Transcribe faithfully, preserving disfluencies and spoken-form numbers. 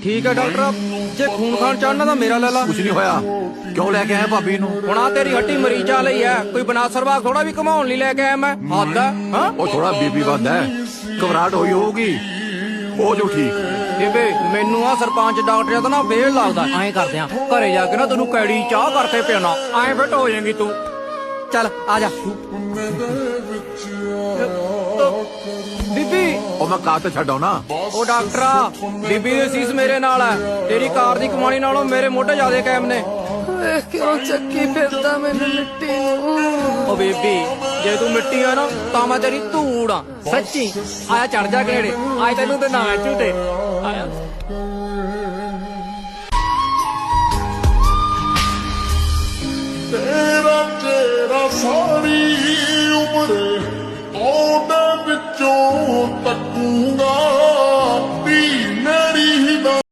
ठीक है डॉक्टर, जे खून खान चाहना तो मेरा ले ला। कुछ नहीं होया, क्यों लेके आए भाभी नू? ਹੁਣ ਆ ਤੇਰੀ ਹੱਟੀ ਮਰੀਜ਼ਾਂ ਲਈ ਹੈ, ਕੋਈ ਬਨਾ ਸਰਵਾਗ ਥੋੜਾ ਵੀ ਘਮਾਉਣ ਲਈ ਲੈ ਕੇ ਆਇਆ ਮੈਂ। ਹੱਦ ਹੈ ਹਾਂ। ਉਹ ਥੋੜਾ ਬੀਪੀ ਵੱਧ ਹੈ, ਘਬਰਾਹਟ ਹੋਈ ਹੋਊਗੀ, ਹੋ ਜੂ ਠੀਕ। ਬੇਬੇ ਮੈਨੂੰ ਆ ਸਰਪੰਚ ਡਾਕਟਰ ਦਾ ਨਾ ਫੇਲ ਲੱਗਦਾ। ਐਂ ਕਰਦੇ ਆ ਘਰੇ ਜਾ ਕੇ ਨਾ ਤੈਨੂੰ ਕੈੜੀ ਚਾਹ ਕਰਕੇ ਪਿਆਣਾ, ਐਂ ਫਿੱਟ ਹੋ ਜਾਏਗੀ ਤੂੰ। ਚੱਲ ਆ ਜਾ ਬੀਬੀ। ਉਹ ਮੈਂ ਕਾਰ ਤੇ ਛੱਡ ਆਉਣਾ। ਉਹ ਡਾਕਟਰਾ, ਬੀਬੀ ਦੀ ਸੀਸ ਮੇਰੇ ਨਾਲ ਹੈ, ਤੇਰੀ ਕਾਰ ਦੀ ਕਮਾਣੀ ਨਾਲੋਂ ਮੇਰੇ ਮੋਢੇ ਜ਼ਿਆਦੇ ਕਾਇਮ ਨੇ। ਕਿਉਂ ਚੱਕੀ ਫਿਰਦਾ ਮੈਨੂੰ ਮਿੱਟੀ ਨੂੰ? ਉਹ ਬੇਬੀ ਜੇ ਤੂੰ ਮਿੱਟੀ ਆ ਨਾ ਤਾਂ ਮੈਂ ਤੇਰੀ ਧੂੜ ਆ ਸੱਚੀ। ਆਇਆ ਚੜ ਜਾ ਘੇੜੇ, ਆਏ ਤੈਨੂੰ ਤੇ ਨਾ ਝੂਟੇ ਆਇਆ। ਤੇਰਾ ਤੇਰਾ ਸਾਰੀ ਉਮਰ